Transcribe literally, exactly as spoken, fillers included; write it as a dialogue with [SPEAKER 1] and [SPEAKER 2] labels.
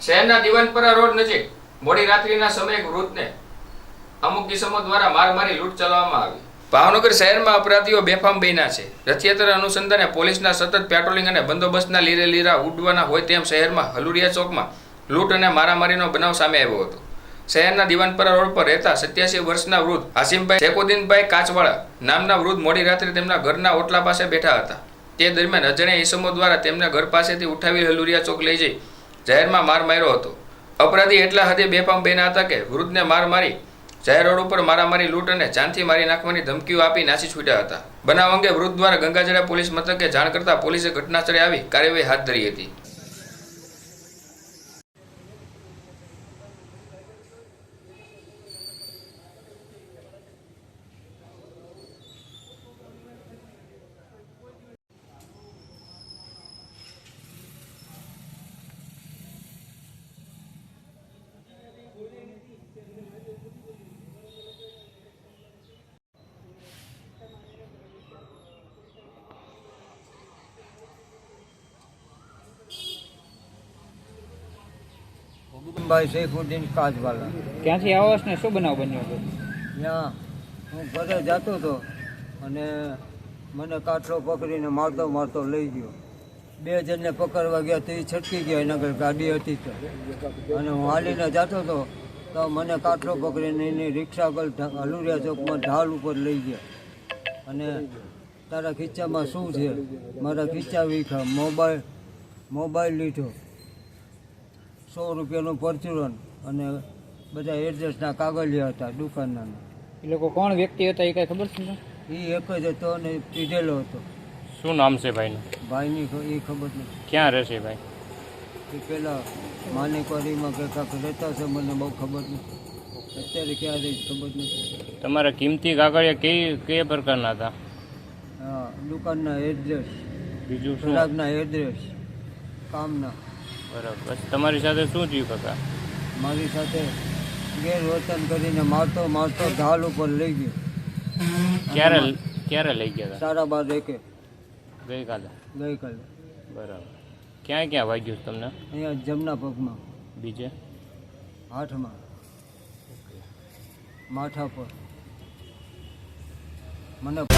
[SPEAKER 1] શહેરના દિવાનપરા રોડ નજીક મોડી રાત્રિના સમયે વૃદ્ધને અમુક કિસ્મો દ્વારા માર મારી લૂંટ ચલાવવામાં આવી. ભાવનગર શહેરમાં અપરાધીઓ બેફામ બન્યા છે. રથયાત્રા અનુસંધાને પોલીસના સતત પેટ્રોલિંગ અને બંદોબસ્તના લીરે લીરા ઉડવાના હોય તેમ શહેરમાં હલુડિયા ચોકમાં લૂંટ અને મારામારીનો બનાવ સામે આવ્યો હતો. શહેરના દિવાનપરા રોડ પર રહેતા સત્યાસી વર્ષના વૃદ્ધ આસિમભાઈ શેખુદ્દીનભાઈ કાચવાળા નામના વૃદ્ધ મોડી રાત્રે તેમના ઘરના ઓટલા પાસે બેઠા હતા. તે દરમિયાન અજાણ્યા ઈસમો દ્વારા તેમના ઘર પાસેથી ઉઠાવી હલુડિયા ચોક લઈ જઈ જાહેરમાં માર માર્યો હતો. અપરાધી એટલા હદે બેફામ બન્યા હતા કે વૃદ્ધને માર મારી જાહેર રોડ ઉપર મારામારી લૂંટ અને જાનથી મારી નાખવાની ધમકીઓ આપી નાસી છૂટ્યા હતા. બનાવ અંગે વૃદ્ધ દ્વારા ગંગાજળા પોલીસ મથકે જાણ કરતા પોલીસે ઘટનાસ્થળે આવી કાર્યવાહી હાથ ધરી હતી.
[SPEAKER 2] ભાઈ શેખુદ્દીન કાચવાલા.
[SPEAKER 3] ક્યાંથી આવો છો ને શું બનાવ બન્યો હતો?
[SPEAKER 2] ત્યાં હું ઘરે જતો હતો અને મને કાટલો પકડીને મારતો મારતો લઈ ગયો. બે જણને પકડવા ગયા તો એ છટકી ગયા, એના ઘર ગાડી હતી તો, અને હું હાલીને જતો હતો તો મને કાટલો પકડીને એની રિક્ષા પર હલુરિયા ચોકમાં ઢાલ ઉપર લઈ ગયા અને તારા ખીચામાં શું છે? મારા ખીચા વીખા, મોબાઈલ મોબાઈલ લીધો, સો રૂપિયાનું પરચુરન અને બધા એડ્રેસના કાગળિયા હતા દુકાનના.
[SPEAKER 3] એ લોકો કોણ વ્યક્તિ હતા એ કઈ ખબર છે?
[SPEAKER 2] એ એક જ હતો અને પીધેલો હતો.
[SPEAKER 4] શું નામ છે ભાઈનું?
[SPEAKER 2] ભાઈની એ ખબર નથી.
[SPEAKER 4] ક્યાં રહેશે ભાઈ?
[SPEAKER 2] એ પેલા માનેકવાડીમાં કે કાંક રહેતા છે, મને બહુ ખબર નથી. અત્યારે ક્યાં રહી ખબર નથી.
[SPEAKER 4] તમારા કિંમતી કાગળિયા કઈ કયા પ્રકારના હતા?
[SPEAKER 2] હા, દુકાનના એડ્રેસ,
[SPEAKER 4] બીજું શું?
[SPEAKER 2] ગ્રાહકના એડ્રેસ, કામના.
[SPEAKER 4] બરાબર. બસ તમારી સાથે શું થયું કાકા?
[SPEAKER 2] મારી સાથે ગેરવર્તન કરીને મારતો મારતો ઢાલ ઉપર લઈ ગયો.
[SPEAKER 4] ક્યારે ક્યારે લઈ ગયા હતા?
[SPEAKER 2] સાડા બાર એકે
[SPEAKER 4] ગઈકાલે.
[SPEAKER 2] ગઈકાલે.
[SPEAKER 4] બરાબર. ક્યાં ક્યાં વાગ્યું છે તમને?
[SPEAKER 2] અહીંયા જમણા પગમાં,
[SPEAKER 4] બીજે?
[SPEAKER 2] હાથમાં, માથા પર. મને